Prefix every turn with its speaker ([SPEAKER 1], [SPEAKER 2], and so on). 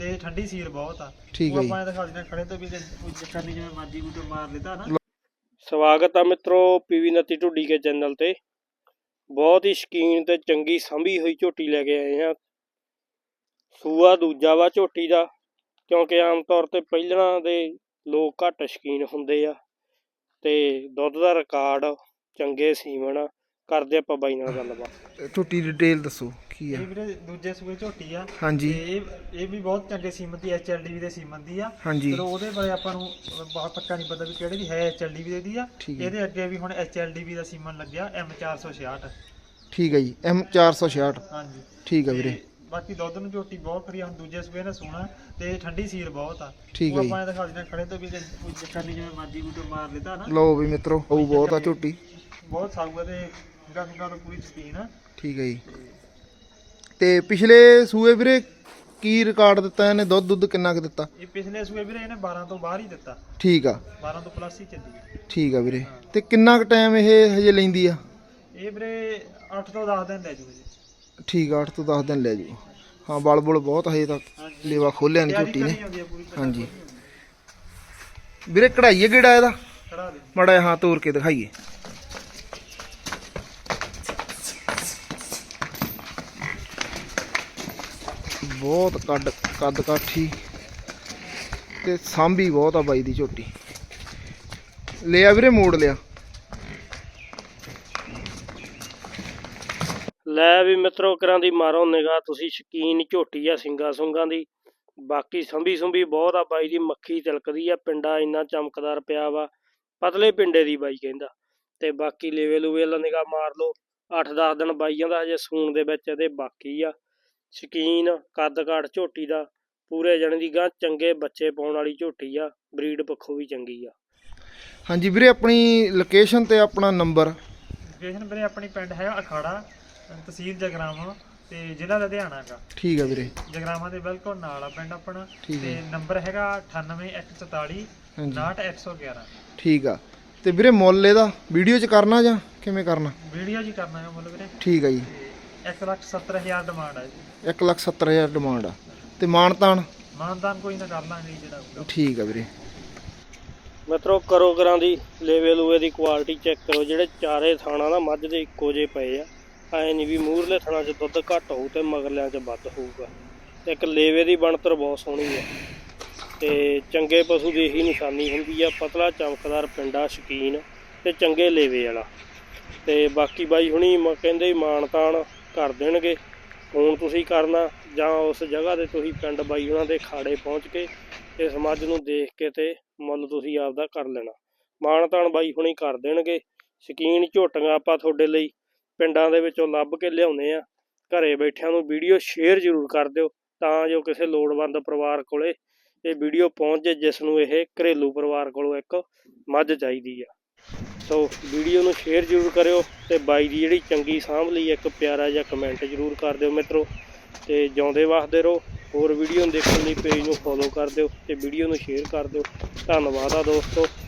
[SPEAKER 1] ਤੇ ਠੰਡੀ ਸੀਲ ਬਹੁਤ ਆ।
[SPEAKER 2] ਠੀਕ ਹੈ ਜੀ।
[SPEAKER 1] ਆਪਾਂ ਦਿਖਾ ਦਿੰਦੇ ਖੜੇ ਤੋਂ ਵੀ ਕੋਈ ਚੱਕਰ ਨਹੀਂ, ਜਿਵੇਂ ਮਰਜੀ ਕੋਈ ਮਾਰ ਲੈਤਾ ਨਾ।
[SPEAKER 3] ਸਵਾਗਤ ਆ ਮਿੱਤਰੋ ਪੀਵੀ ਨੱਤੀ ਢੁੱਡੀ ਕੇ ਚੈਨਲ ਤੇ। ਬਹੁਤ ਹੀ ਸ਼ਕੀਨ ਤੇ ਚੰਗੀ ਸੰਭੀ ਹੋਈ ਝੋਟੀ ਲੈ ਕੇ ਆਏ ਆ। ਸੂਆ ਦੂਜਾ ਵਾ ਝੋਟੀ ਦਾ, ਕਿਉਂਕਿ ਆਮ ਤੌਰ ਤੇ ਪਹਿਲਾਂ ਦੇ ਲੋਕ ਘੱਟ ਸ਼ਕੀਨ ਹੁੰਦੇ ਆ ਤੇ ਦੁੱਧ ਦਾ ਰਿਕਾਰਡ ਚੰਗੇ ਸੀਮਨ। ਕਰਦੇ ਆਪਾਂ ਬਾਈ ਨਾਲ ਗੱਲਬਾਤ।
[SPEAKER 2] ਝੋਟੀ ਡਿਟੇਲ ਦੱਸੋ ਕੀ ਆ।
[SPEAKER 1] ਇਹ ਵੀਰੇ ਦੂਜੇ ਸੂਏ ਝੋਟੀ ਆ।
[SPEAKER 2] ਹਾਂਜੀ।
[SPEAKER 1] ਇਹ ਵੀ ਬਹੁਤ ਚੰਗੇ ਸੀਮਨ ਦੀ HLDV ਦੇ ਸੀਮਨ ਦੀ ਆ।
[SPEAKER 2] ਹਾਂਜੀ।
[SPEAKER 1] ਚਲੋ ਉਹਦੇ ਬਾਰੇ ਆਪਾਂ ਨੂੰ ਬਹੁਤ ਪੱਕਾ ਨਹੀਂ ਪਤਾ ਵੀ ਕਿਹੜੇ ਦੀ ਹੈ HLDV ਦੀ ਆ। ਇਹਦੇ ਅੱਗੇ ਵੀ ਹੁਣ HLDV ਦਾ ਸੀਮਨ ਲੱਗਿਆ M466।
[SPEAKER 2] ਠੀਕ ਹੈ ਜੀ, M466।
[SPEAKER 1] ਹਾਂਜੀ
[SPEAKER 2] ਠੀਕ ਹੈ ਵੀਰੇ।
[SPEAKER 1] ਬਾਕੀ ਦੁੱਧ ਨੂੰ ਝੋਟੀ ਬਹੁਤ ਖਰੀ, ਹੁਣ ਦੂਜੇ ਸੂਏ ਨੇ ਸੋਣਾ ਤੇ ਠੰਡੀ ਸੀਲ ਬਹੁਤ ਆ।
[SPEAKER 2] ਠੀਕ ਹੈ ਜੀ।
[SPEAKER 1] ਆਪਾਂ ਦਿਖਾ ਦਿੰਦੇ ਖੜੇ ਤੋਂ ਵੀ ਕੋਈ ਚੱਕਰ ਨਹੀਂ, ਜਿਵੇਂ ਮਰਜੀ ਕੋਈ ਮਾਰ ਲੈਤਾ ਨਾ।
[SPEAKER 2] ਲਓ ਵੀ ਮਿੱਤਰੋ, ਉਹ ਬਹੁਤ ਆ ਝੋਟੀ,
[SPEAKER 1] ਬਹੁਤ ਸਾਊਗਾ ਤੇ ਗੰਗਾ ਤੋਂ ਪੂਰੀ ਸ਼ਕੀਨ ਆ।
[SPEAKER 2] ਠੀਕ ਹੈ ਜੀ। ਤੇ ਪਿਛਲੇ ਸੂਏ ਵੀਰੇ ਕੀ ਰਿਕਾਰਡ ਦਿੱਤਾ ਇਹਨੇ? ਦੁੱਧ ਕਿੰਨਾ ਕੁ ਦਿੱਤਾ?
[SPEAKER 1] ਇਹ ਪਿਛਲੇ ਸੂਏ ਵੀਰੇ ਇਹਨੇ 12 ਤੋਂ ਬਾਹਰ ਹੀ ਦਿੱਤਾ।
[SPEAKER 2] ਠੀਕ ਆ।
[SPEAKER 1] 12 ਤੋਂ ਪਲੱਸ ਹੀ ਚੱਲੀ।
[SPEAKER 2] ਠੀਕ ਆ ਵੀਰੇ। ਤੇ ਕਿੰਨਾ ਕੁ ਟਾਈਮ ਇਹ ਹਜੇ ਲੈਂਦੀ ਆ?
[SPEAKER 1] ਇਹ ਵੀਰੇ 8 ਤੋਂ 10 ਦਿਨ ਲੈ ਜੂਗੇ ਜੀ।
[SPEAKER 2] ਠੀਕ ਆ, 8 ਤੋਂ 10 ਦਿਨ ਲੈ ਜੂ। ਹਾਂ, ਬਲ ਬੁਲ ਬਹੁਤ ਹਜੇ ਤੱਕ ਲੇਵਾ ਖੋਲਿਆ ਨਹੀਂ ਝੋਟੀ ਨੇ। ਹਾਂਜੀ ਵੀਰੇ, ਕਢਾਈਏ ਗੇੜਾ ਇਹਦਾ ਮਾੜਾ ਜਿਹਾ, ਹਾਂ ਤੋੜ ਕੇ ਦਿਖਾਈਏ। ਬਹੁਤ ਕੱਦ ਕਾਠੀ ਤੇ ਸਾਂਭੀ ਬਹੁਤ ਆ ਬਾਈ ਦੀ ਝੋਟੀ। ਲਿਆ ਵੀਰੇ, ਮੋੜ ਲਿਆ।
[SPEAKER 3] ਲੈ ਵੀ ਮਿੱਤਰੋ, ਕਰਾਂ ਦੀ ਮਾਰੋ ਨਿਗਾਹ ਤੁਸੀਂ। ਸ਼ਕੀਨ ਝੋਟੀ ਆ ਸਿੰਗਾ ਸੁੰਗਾਂ ਦੀ। ਬਾਕੀ ਸੰਭੀ ਸੁੰਭੀ ਬਹੁਤ ਆ ਬਾਈ ਦੀ। ਮੱਖੀ ਤਿਲਕਦੀ ਆ, ਪਿੰਡਾ ਇੰਨਾ ਚਮਕਦਾਰ ਪਿਆ ਵਾ, ਪਤਲੇ ਪਿੰਡੇ ਦੀ ਬਾਈ ਕਹਿੰਦਾ। ਤੇ ਬਾਕੀ ਲੇਵੇ ਲੂਵੇ ਵਾਲਾ ਨਿਗਾਹ ਮਾਰ ਲਓ। 8-10 ਦਿਨ ਬਾਈਆਂ ਦਾ ਹਜੇ ਸੂਣ ਦੇ ਵਿੱਚ ਇਹਦੇ ਬਾਕੀ ਆ। ਸ਼ਕੀਨ ਕੱਦ ਕਾਠ ਝੋਟੀ ਦਾ ਪੂਰੇ ਜਣੇ ਦੀ ਗਾਂ, ਚੰਗੇ ਬੱਚੇ ਪਾਉਣ ਵਾਲੀ ਝੋਟੀ ਆ। ਬਰੀਡ ਪੱਖੋਂ ਵੀ ਚੰਗੀ ਆ।
[SPEAKER 2] ਹਾਂਜੀ ਵੀਰੇ, ਆਪਣੀ ਲੋਕੇਸ਼ਨ ਤੇ ਆਪਣਾ ਨੰਬਰ।
[SPEAKER 1] ਲੋਕੇਸ਼ਨ ਵੀਰੇ ਆਪਣੀ ਪਿੰਡ ਹੈ ਅਖਾੜਾ, ਤਹਿਸੀਲ ਜਗਰਾਵਾਂ ਤੇ ਜ਼ਿਲ੍ਹਾ ਲੁਧਿਆਣਾ ਦਾ।
[SPEAKER 2] ਠੀਕ ਆ ਵੀਰੇ।
[SPEAKER 1] ਜਗਰਾਵਾਂ ਦੇ ਬਿਲਕੁਲ ਨਾਲ ਆ ਪਿੰਡ ਆਪਣਾ।
[SPEAKER 2] ਠੀਕ
[SPEAKER 1] ਤੇ
[SPEAKER 2] ਹੈ।
[SPEAKER 1] ਨੰਬਰ ਹੈਗਾ 98144 69111।
[SPEAKER 2] ਠੀਕ ਆ। ਤੇ ਵੀਰੇ ਮੁੱਲ ਇਹਦਾ ਵੀਡੀਓ 'ਚ ਕਰਨਾ ਜਾਂ ਕਿਵੇਂ ਕਰਨਾ?
[SPEAKER 1] ਵੀਡੀਓ ਜੀ ਕਰਨਾ ਹੈ ਮੁੱਲ ਵੀਰੇ।
[SPEAKER 2] ਠੀਕ ਆ ਜੀ।
[SPEAKER 1] 1,70,000 ਡਿਮਾਂਡ ਆ ਜੀ।
[SPEAKER 2] 1,70,000 ਡਿਮਾਂਡ ਆ। ਤੇ ਮਾਨਤਾਨ
[SPEAKER 1] ਕੋਈ ਨਾ ਕਰ ਲਾਂਗੇ ਜਿਹੜਾ ਹੋਊਗਾ।
[SPEAKER 2] ਠੀਕ ਆ ਵੀਰੇ।
[SPEAKER 3] ਮਿੱਤਰੋ ਕਰੋ ਕਰਾਂ ਦੀ ਲੇਵੇ ਲੂਵੇ ਦੀ ਕੁਆਲਿਟੀ ਚੈੱਕ ਕਰੋ। ਜਿਹੜੇ ਚਾਰੇ ਥਾਣਾ ਨਾ ਮੱਝ ਦੇ ਇੱਕੋ ਜਿਹੇ ਪਏ ਆ। ਐ ਨਹੀਂ ਵੀ ਮੂਹਰਲੇ ਥਾਣਾ 'ਚ ਦੁੱਧ ਘੱਟ ਹੋਊ ਤੇ ਮਗਰਲਿਆਂ 'ਚ ਵੱਧ ਹੋਊਗਾ। ਤੇ ਇੱਕ ਲੇਵੇ ਦੀ ਬਣਤਰ ਬਹੁਤ ਸੋਹਣੀ ਆ ਤੇ ਚੰਗੇ ਪਸ਼ੂ ਦੀ ਇਹੀ ਨਿਸ਼ਾਨੀ ਹੁੰਦੀ ਆ। ਪਤਲਾ ਚਮਕਦਾਰ ਪਿੰਡਾ, ਸ਼ਕੀਨ ਤੇ ਚੰਗੇ ਲੇਵੇ ਵਾਲਾ। ਤੇ ਬਾਕੀ ਬਾਈ ਹੁਣੀ ਕਹਿੰਦੇ ਮਾਣ ਤਾਣ ਕਰ ਦੇਣਗੇ। ਫੋਨ ਤੁਸੀਂ ਕਰਨਾ ਜਾਂ ਉਸ ਜਗ੍ਹਾ 'ਤੇ ਤੁਸੀਂ ਪਿੰਡ ਬਾਈ ਉਹਨਾਂ ਦੇ ਖਾੜੇ ਪਹੁੰਚ ਕੇ ਇਸ ਮੱਝ ਨੂੰ ਦੇਖ ਕੇ ਤੇ ਮੁੱਲ ਤੁਸੀਂ ਆਪਦਾ ਕਰ ਲੈਣਾ। ਮਾਣ ਤਾਣ ਬਾਈ ਹੁਣੀ ਕਰ ਦੇਣਗੇ। ਸ਼ਕੀਨ ਝੋਟੀਆਂ ਆਪਾਂ ਤੁਹਾਡੇ ਲਈ ਪਿੰਡਾਂ ਦੇ ਵਿੱਚੋਂ ਲੱਭ ਕੇ ਲਿਆਉਂਦੇ ਆ। ਘਰੇ ਬੈਠਿਆਂ ਨੂੰ ਵੀਡੀਓ ਸ਼ੇਅਰ ਜ਼ਰੂਰ ਕਰ ਦਿਓ ਤਾਂ ਜੋ ਕਿਸੇ ਲੋੜਵੰਦ ਪਰਿਵਾਰ ਕੋਲੇ ਇਹ ਵੀਡੀਓ ਪਹੁੰਚ ਜੇ, ਜਿਸ ਨੂੰ ਇਹ ਘਰੇਲੂ ਪਰਿਵਾਰ ਕੋਲੋਂ ਇੱਕ ਮੱਝ ਚਾਹੀਦੀ ਆ। ਸੋ ਵੀਡੀਓ ਨੂੰ ਸ਼ੇਅਰ ਜ਼ਰੂਰ ਕਰਿਓ ਤੇ ਬਾਈ ਦੀ ਜਿਹੜੀ ਚੰਗੀ ਸਾਂਭ ਲਈ ਇੱਕ ਪਿਆਰਾ ਜਿਹਾ ਕਮੈਂਟ ਜ਼ਰੂਰ ਕਰ ਦਿਓ ਮਿੱਤਰੋ। ਤੇ ਜਿਉਂਦੇ ਵਸਦੇ ਰਹੋ। ਹੋਰ ਵੀਡੀਓ ਨੂੰ ਦੇਖਣ ਲਈ ਪੇਜ ਨੂੰ ਫੋਲੋ ਕਰ ਦਿਓ ਤੇ ਵੀਡੀਓ ਨੂੰ ਸ਼ੇਅਰ ਕਰ ਦਿਓ। ਧੰਨਵਾਦ ਆ ਦੋਸਤੋ।